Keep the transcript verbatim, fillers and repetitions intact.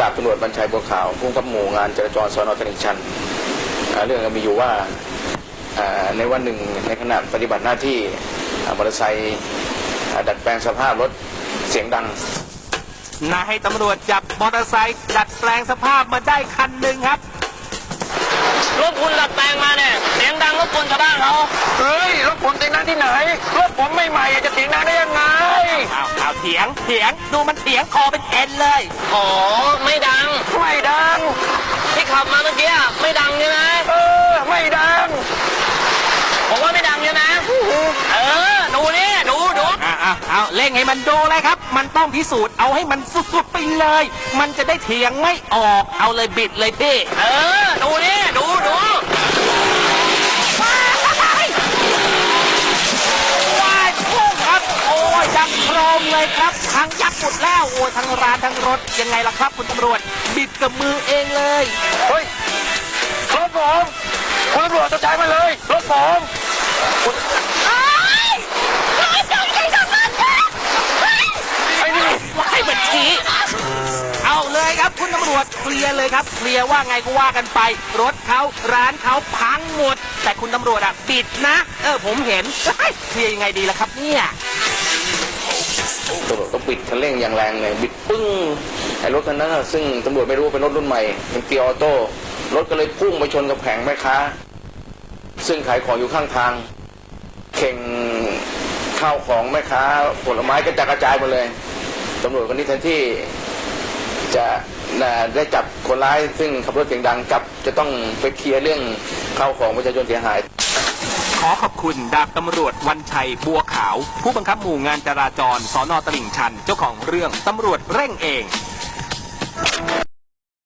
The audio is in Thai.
ดาบตำรวจบรรชัยบัวขาวผู้กำกับหมู่งานจราจรสน.ตลิ่งชันเรื่องมีอยู่ว่าในวันหนึ่งในขณะปฏิบัติหน้าที่มอเตอร์ไซค์ดัดแปลงสภาพรถเสียงดังนายให้ตำรวจจับมอเตอร์ไซค์ดัดแปลงสภาพมาได้คันหนึ่งครับรถคุณดัดแปลงมาเนี่ยเสียงดังรบกวนชาวบ้านเขาเฮ้ยรถผมเสียงดังที่ไหนรถผมไม่ใหม่จะเสียงดังได้ยังไงอ้าวอ้าวเถียงเถียงดูมันเถียงคอเป็นเอ็นเลยอ๋อไม่ดังไม่ดังที่ขับมาเมื่อกี้ไม่ดังใช่ไหมเออไม่ดังผมว่าไม่ดังใช่ไหมเออดูนี่ดูดูอ่าอ่าเอาเล่งให้มันดูเลยครับมันต้องพิสูจน์เอาให้มันสุดๆไปเลยมันจะได้เถียงไม่ออกเอาเลยบิดเลยพี่เออดูนี่ดูดูว้ายพุ่งครับโอ้ยดังโครมเลยครับทั้งยับหมดแล้วโอ้ยทั้งร้านทั้งรถยังไงล่ะครับคุณตำรวจบิดกับมือเองเลยเฮ้ยรถผมคุณตำรวจจะใช้มาเลยรถผมไอ้นี่ให้บัญชีเอาเลยครับคุณตำรวจเคลียร์เลยครับเคลียร์ว่าไงก็ว่ากันไปรถเขาร้านเขาพังหมดแต่คุณตำรวจอะบิดนะเออผมเห็นเคลียร์ยังไงดีล่ะครับเนี่ยตำรวจก็บิดคันเร่งอย่างแรงเลยบิดปึ้งไอ้รถคันนั้นซึ่งตำรวจไม่รู้ว่าเป็นรถรุ่นใหม่เป็นเกียร์ออโต้รถก็เลยพุ่งไปชนกับแผงแม่ค้าซึ่งขายของอยู่ข้างทางเข่งข้าวของแม่ค้าผลไม้ก็จะกระจายหมดเลยตำรวจคนนี้แทนที่จะได้จับคนร้ายซึ่งขับรถเสียงดังกับจะต้องไปเคลียร์เรื่องข้าวของประชาชนเสียหายขอขอบคุณดาบตำรวจวันชัยบัวขาวผู้บังคับหมู่งานจราจรสน.ตลิ่งชันเจ้าของเรื่องตำรวจเร่งเอง